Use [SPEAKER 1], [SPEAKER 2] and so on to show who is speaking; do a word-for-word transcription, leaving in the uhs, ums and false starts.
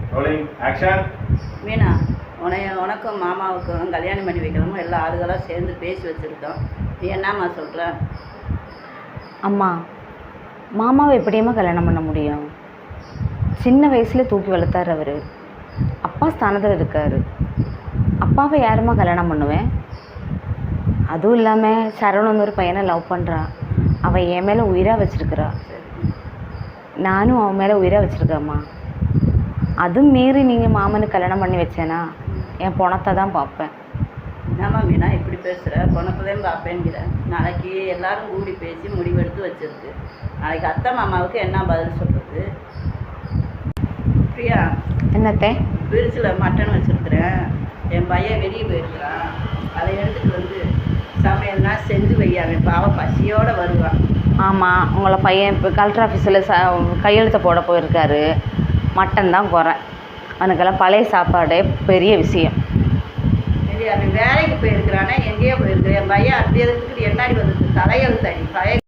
[SPEAKER 1] Rolling action.
[SPEAKER 2] Meena, உனைய உனக்கும் மாமாவுக்கும் கல்யாணம் பண்ணி வைக்கணுமோ எல்லா ஆளுகளாக சேர்ந்து பேசி வச்சுருக்கோம். நீ என்னம்மா சொல்கிற?
[SPEAKER 3] அம்மா, மாமாவை எப்படியம்மா கல்யாணம் பண்ண முடியும்? சின்ன வயசில் தூக்கி வளர்த்தார் அவர். அப்பா ஸ்தானத்தில் இருக்கார். அப்பாவை யாரும்மா கல்யாணம் பண்ணுவேன்? அதுவும் இல்லாமல் சரவணன் ஒரு பையனை லவ் பண்ணுறா. அவள் என் மேலே உயிராக வச்சுருக்கிறா. நானும் அவன் மேலே உயிராக வச்சுருக்கேம்மா. அதுவும் மீறி நீங்கள் மாமனுக்கு கல்யாணம் பண்ணி வச்சேனா என் பணத்தை தான் பார்ப்பேன்.
[SPEAKER 2] என்னம்மா மீனா இப்படி பேசுகிற? பணத்தையும் பார்ப்பேங்கிற. நாளைக்கு எல்லாரும் கூடி பேசி முடிவெடுத்து வச்சுருக்கு. நாளைக்கு அத்தை மாமாவுக்கு என்ன பதில் சொல்கிறது? பிரியா,
[SPEAKER 3] என்னத்தை?
[SPEAKER 2] ஃப்ரிட்ஜில் மட்டன் வச்சுருக்குறேன். என் பையன் வெளியே போயிருக்கிறான். அதை எடுத்துகிட்டு வந்து சமையல்னா செஞ்சு வையாங்க. பாவம் பசியோடு வருவான்.
[SPEAKER 3] ஆமாம், உங்களை பையன் இப்போ கலெக்டர் ஆஃபீஸில் ச கையெழுத்து போட போயிருக்காரு. மட்டன் தான் குறை. அவனுக்கெல்லாம் பழைய சாப்பாடே பெரிய விஷயம்.
[SPEAKER 2] சரி, அவன் வேலைக்கு போயிருக்கிறானே, எங்கேயோ போயிருக்கிறேன். என் பையன் அடுத்த எதுக்கு என்னாடி வந்துருக்கு தலையெழுத்தாடி பழைய